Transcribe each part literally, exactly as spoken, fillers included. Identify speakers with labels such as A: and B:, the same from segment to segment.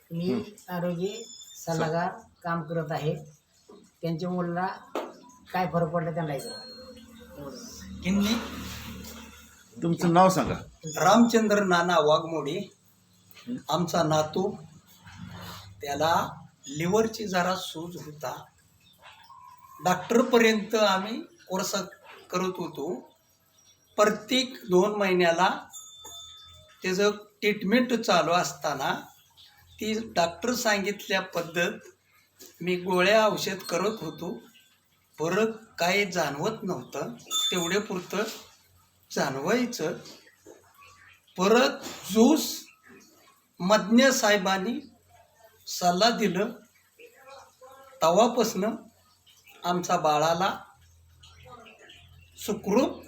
A: मी आरोग्य सल्लागार काम करत आहे. त्यांच्या मुलाला काय फरक पडला त्यांना
B: किन्नी
C: तुमचं नाव सांगा.
B: रामचंद्र नाना वाघमोडे. आमचा नातू, त्याला लिव्हरची जरा सूज होता. डॉक्टरपर्यंत आम्ही कोर्स करत होतो. प्रत्येक दोन महिन्याला त्याचं ट्रीटमेंट चालू असताना ती डॉक्टर सांगितल्या पद्धत मी गोळ्या औषध करत होतो. फरक काय जाणवत नव्हतं, तेवढे पुरतं जाणवायचं. परत ज्यूस मज्ञ साहेबांनी सल्ला दिलं, तवापासनं आमचा बाळाला सुखरूप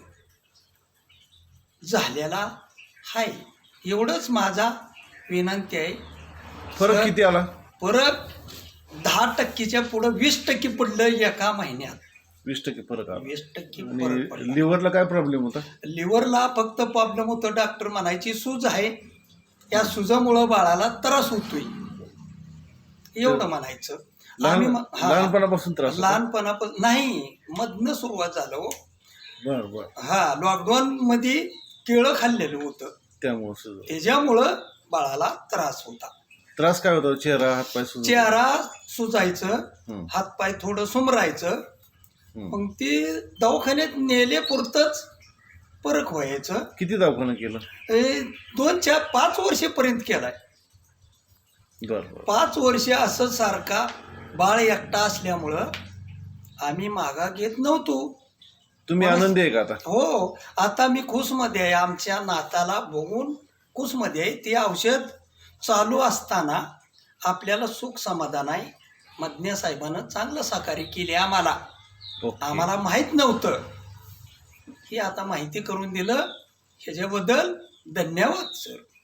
B: झालेला आहे. एवढंच माझा विनंती आहे.
C: फरक किती आला?
B: फरक दहा टक्केच्या पुढं वीस टक्के पडलं एका महिन्यात.
C: वीस टक्के फरक आला.
B: वीस टक्के फरक पडला.
C: लिव्हरला काय प्रॉब्लेम होता?
B: लिव्हरला फक्त प्रॉब्लेम होतो. डॉक्टर म्हणायची सूज आहे, त्या सुजामुळं बाळाला त्रास होतोय एवढं म्हणायचं. आम्ही
C: लहान
B: मग- हा,
C: लहानपणापासून त्रास होता?
B: लहानपणापासून नाही, मधनं सुरुवात झालं हो.
C: बर बर.
B: हा, लॉकडाऊन मध्ये केळं खाल्लेलं होतं,
C: त्यामुळे
B: त्याच्यामुळं बाळाला त्रास होता.
C: त्रास काय होता? चेहरा, हातपाय सुजत?
B: चेहरा सुजायचं,
C: हं.
B: हातपाय थोडं सुमरायचं.
C: हं.
B: मग ते दवाखान्यात नेले पुरतच फरक व्हायचं.
C: किती दवाखाना केलं?
B: हे दोन चार पाच वर्षेपर्यंत केलाय.
C: बर बर.
B: पाच वर्ष असं सारखा बाळ एकटा असल्यामुळं आम्ही मागा घेत नव्हतो.
C: तुम्ही आनंदी आहे का आता?
B: हो, आता मी खुशमध्ये आहे. आमच्या नाताला बघून खुशमध्ये आहे. ते औषध चालू असताना आपल्याला सुख समाधान आहे. मज्ञ साहेबानं चांगलं सहकार्य केले आम्हाला.
C: ओके.
B: आम्हाला माहीत नव्हतं, हे आता माहिती करून दिलं. ह्याच्याबद्दल धन्यवाद सर.